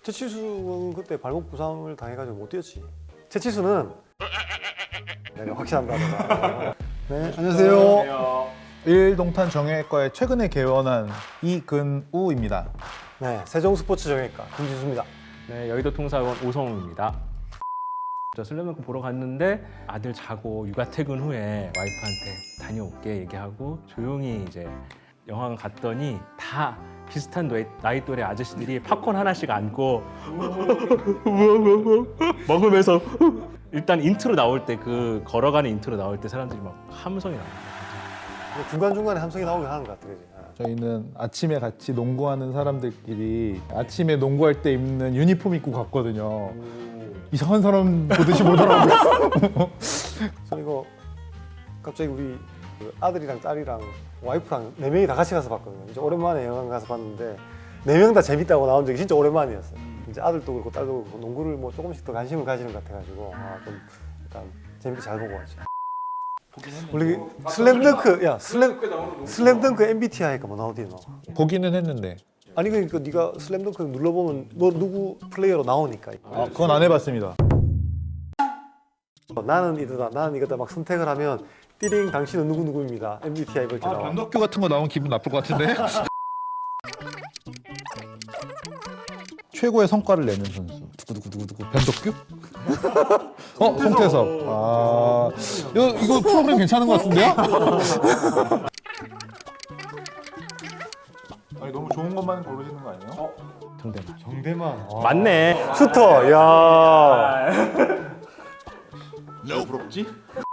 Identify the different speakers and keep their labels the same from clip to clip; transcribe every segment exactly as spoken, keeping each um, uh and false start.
Speaker 1: 최치수는 그때 발목 부상을 당해가지고 못 뛰었지. 최치수는 내가 확실한다. 네, 안녕하세요.
Speaker 2: 일동탄 정형외과에 최근에 개원한 이근우입니다.
Speaker 1: 네, 세종스포츠 정형외과 김진수입니다.
Speaker 3: 네, 여의도 통사원 오성우입니다. 저 슬램덩크 보러 갔는데 아들 자고 육아 퇴근 후에 와이프한테 다녀올게 얘기하고 조용히 이제 영화관 갔더니 다 비슷한 나이, 나이 또래 아저씨들이 팝콘 하나씩 안고 먹으면서 일단 인트로 나올 때 그 걸어가는 인트로 나올 때 사람들이 막 함성이 나와요.
Speaker 1: 중간중간에 함성이 나오긴 하는 것 같아, 그지?
Speaker 2: 저희는 아침에 같이 농구하는 사람들끼리 아침에 농구할 때 입는 유니폼 입고 갔거든요. 이상한 사람 보듯이 보더라고요.
Speaker 1: 저 이거 갑자기 우리 그 아들이랑 딸이랑 와이프랑 네 명이 다 같이 가서 봤거든요. 이제 오랜만에 영화관 가서 봤는데 네 명 다 재밌다고 나온 적이 진짜 오랜만이었어요. 이제 아들도 그렇고 딸도 그렇고 농구를 뭐 조금씩 더 관심을 가지는 것 같아가지고 아, 좀 일단 재밌게 잘 보고 왔지. 원래 슬램덩크 야 슬램 슬램덩크 엠비티아이가 뭐 나오디 너?
Speaker 2: 보기는 했는데
Speaker 1: 아니 그러니까 네가 슬램덩크 눌러보면 뭐 누구 플레이어로 나오니까.
Speaker 2: 아, 그건 안 해봤습니다.
Speaker 1: 어, 나는 이거다 나는 이거다 막 선택을 하면 띠링 당신은 누구 누구입니다 엠비티아이 이렇게 나와.
Speaker 2: 변덕규 같은 거 나오면 기분 나쁠 것 같은데? 최고의 성과를 내는 선수 두구두구두구두구 변덕규? 어? 송태섭. 아 이거, 이거 프로그램 괜찮은 것 같은데요? 아니 너무 좋은 것만 고르시는 거 아니에요?
Speaker 3: 정대만.
Speaker 1: 정대만.
Speaker 3: 맞네.
Speaker 1: 슈터. 야.
Speaker 2: 왜 부럽지?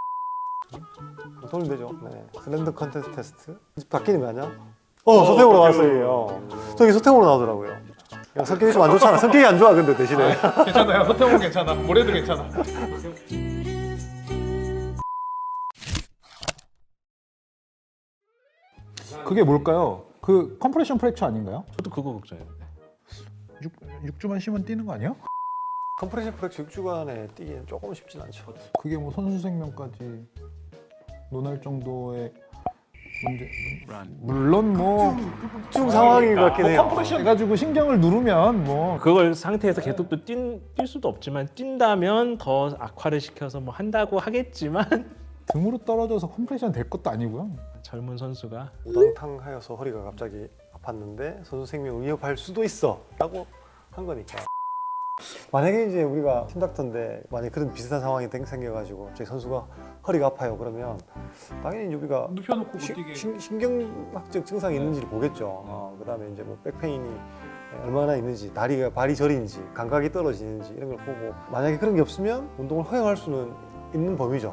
Speaker 1: 돌면 되죠. 네. 슬램덩크 컨테스트 테스트. 바뀌는 거 아니야? 어, 서태웅으로 나왔어요. 저기 서태웅으로 나오더라고요. 야, 성격이 좀 안 좋잖아. 성격이 안 좋아 근데 대신에.
Speaker 2: 괜찮아요. 서태웅은 괜찮아. 뭐래도 괜찮아. 그게 뭘까요? 그 컴프레션 프랙처 아닌가요?
Speaker 3: 저도 그거 걱정했는데.
Speaker 2: 육 주만 쉬면 뛰는 거 아니야?
Speaker 1: 컴프레션 프랙처 육 주간에 뛰기는 조금 쉽진 않죠.
Speaker 2: 그게 뭐 선수 생명까지 논할 정도의 문제. 물론 뭐
Speaker 1: 좀 상황인 것 같긴 해요.
Speaker 2: 컴프레션 해가지고 신경을 누르면 뭐
Speaker 3: 그걸 상태에서 계속 또 뛴, 뛸 수도 없지만 뛴다면 더 악화를 시켜서 뭐 한다고 하겠지만
Speaker 2: 등으로 떨어져서 컴프레션 될 것도 아니고요.
Speaker 3: 젊은 선수가
Speaker 1: 우당탕하여서 허리가 갑자기 아팠는데 선수 생명을 위협할 수도 있어 라고 한 거니까. 만약에 이제 우리가 팀닥터인데 만약에 그런 비슷한 상황이 생겨가지고 갑자기 선수가 허리가 아파요 그러면 당연히 이제 우리가
Speaker 2: 눕혀놓고 못
Speaker 1: 시-
Speaker 2: 뛰게.
Speaker 1: 신- 신경학적 증상이 있는지를 보겠죠. 어, 그다음에 이제 뭐 백페인이 얼마나 있는지, 다리가 발이 저리는지, 감각이 떨어지는지 이런 걸 보고 만약에 그런 게 없으면 운동을 허용할 수는 있는 범위죠.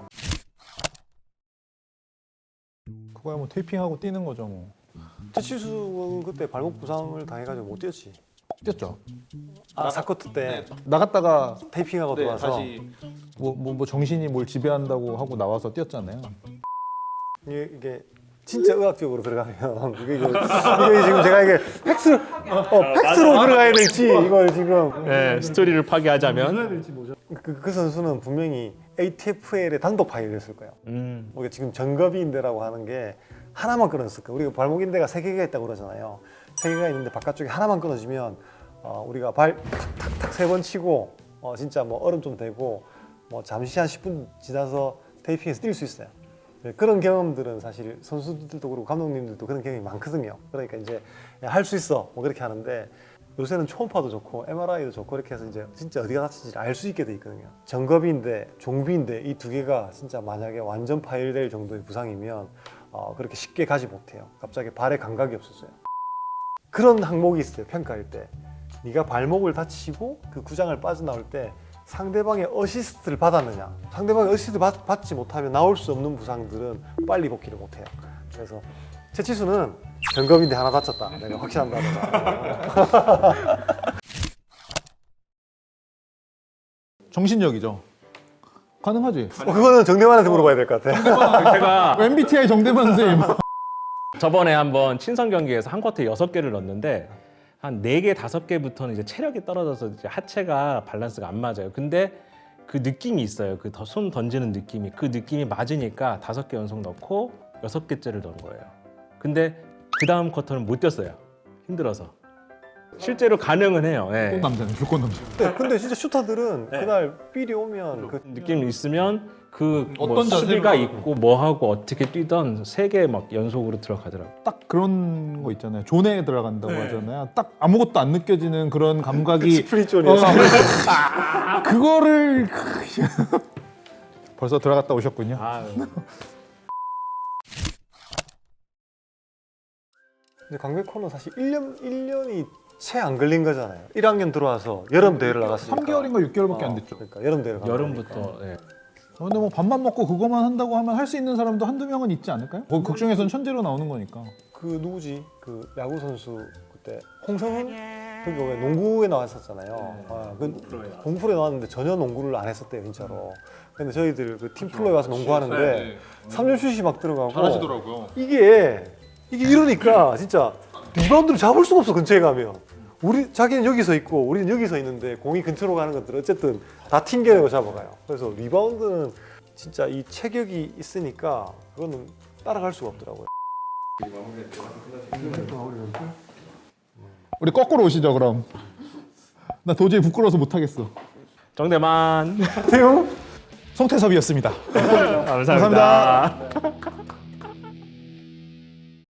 Speaker 2: 그거야 뭐 테이핑하고 뛰는 거죠 뭐.
Speaker 1: 최치수는 그때 발목 부상을 당해가지고 못 뛰었지.
Speaker 2: 뛰었죠.
Speaker 1: 아 사커트 때
Speaker 2: 나갔다가
Speaker 1: 테이핑하고 들어와서
Speaker 2: 뭐, 뭐, 뭐 정신이 뭘 지배한다고 하고 나와서 뛰었잖아요.
Speaker 1: 이게, 이게 진짜 의학적으로 들어가면 이게, 이거, 이게 지금 제가 이게 팩스 어, 팩스로 들어가야 될지 이걸 지금
Speaker 3: 네, 스토리를 파괴하자면
Speaker 1: 그, 그 선수는 분명히 에이티에프엘의 단독 파일이었을 거예요.
Speaker 3: 음,
Speaker 1: 우리가 지금 정거비인대라고 하는 게 하나만 끊어졌을 거예요. 우리가 발목인대가 세 개가 있다고 그러잖아요. 세 개가 있는데 바깥쪽에 하나만 끊어지면 어, 우리가 발 탁탁탁 세 번 치고 어, 진짜 뭐 얼음 좀 대고 뭐 잠시 한 십 분 지나서 테이핑해서 뛸 수 있어요. 네, 그런 경험들은 사실 선수들도 그렇고 감독님들도 그런 경험이 많거든요. 그러니까 이제 할 수 있어 뭐 그렇게 하는데 요새는 초음파도 좋고 엠알아이도 좋고 이렇게 해서 이제 진짜 어디가 다친지 알 수 있게 돼 있거든요. 정거비인대, 종비인대 이 두 개가 진짜 만약에 완전 파열될 정도의 부상이면 어, 그렇게 쉽게 가지 못해요. 갑자기 발에 감각이 없어져요. 그런 항목이 있어요. 평가할 때 네가 발목을 다치고 그 구장을 빠져나올 때 상대방의 어시스트를 받았느냐. 상대방의 어시스트 받, 받지 못하면 나올 수 없는 부상들은 빨리 복귀를 못해요. 그래서 최치수는 정거비인대 하나 다쳤다. 내가 확신한다.
Speaker 2: 정신력이죠. 가능하지.
Speaker 1: 어, 그거는 정대만한테 물어봐야 될 것 같아.
Speaker 3: 제가
Speaker 2: 엠비티아이 정대만 선생님.
Speaker 3: 저번에 한번 친선 경기에서 한 쿼터에 여섯 개를 넣었는데 한 네 개, 다섯 개부터는 이제 체력이 떨어져서 이제 하체가 밸런스가 안 맞아요. 근데 그 느낌이 있어요. 그 손 던지는 느낌이. 그 느낌이 맞으니까 다섯 개 연속 넣고 여섯 개째를 넣은 거예요. 근데 그 다음 쿼터는 못 뛰었어요. 힘들어서. 실제로 가능은 해요. 예.
Speaker 2: 불꽃 남자네, 불꽃 남자.
Speaker 1: 네, 근데 진짜 슈터들은
Speaker 3: 네.
Speaker 1: 그날 삘이 오면 그
Speaker 3: 느낌 있으면 그 뭐
Speaker 2: 어떤 자세로
Speaker 3: 수비가
Speaker 2: 하고.
Speaker 3: 있고 뭐 하고 어떻게 뛰던 세 개 막 연속으로 들어가더라고.
Speaker 2: 딱 그런 거 있잖아요. 존에 들어간다고
Speaker 3: 네.
Speaker 2: 하잖아요. 딱 아무것도 안 느껴지는 그런 감각이
Speaker 1: 스프릿존이었어.
Speaker 2: 어, 그거를 벌써 들어갔다 오셨군요.
Speaker 3: 아유.
Speaker 1: 근데 강백호는 사실 일 년 일 년이 채 안 걸린 거잖아요. 일 학년 들어와서 여름 대회를 나갔으니까.
Speaker 2: 삼 개월인가 육 개월밖에 안 됐죠.
Speaker 1: 그러니까 여름 대회를 간
Speaker 3: 여름부터 예.
Speaker 2: 어, 근데 뭐 밥만 먹고 그거만 한다고 하면 할 수 있는 사람도 한두 명은 있지 않을까요? 뭐 극중에서는 천재로 나오는 거니까.
Speaker 1: 그 누구지? 그 야구 선수 그때 홍성훈 그게 왜 농구에 나왔었잖아요. 아, 그 공프로에 나왔는데 전혀 농구를 안 했었대요, 진짜로. 근데 저희들 그 팀플로에 와서 농구하는데 삼 점 슛이 막 들어가고
Speaker 2: 잘하시더라고요.
Speaker 1: 이게 이게 이러니까 진짜 리바운드를 잡을 수가 없어, 근처에 가면. 우리 자기는 여기 서 있고 우리는 여기 서 있는데 공이 근처로 가는 것들 어쨌든 다 튕겨내고 잡아가요. 그래서 리바운드는 진짜 이 체격이 있으니까 그거는 따라갈 수가 없더라고요.
Speaker 2: 우리 거꾸로 오시죠 그럼. 나 도저히 부끄러워서 못 하겠어.
Speaker 3: 정대만.
Speaker 1: 태용
Speaker 2: 송태섭이었습니다.
Speaker 3: 감사합니다.
Speaker 2: 감사합니다.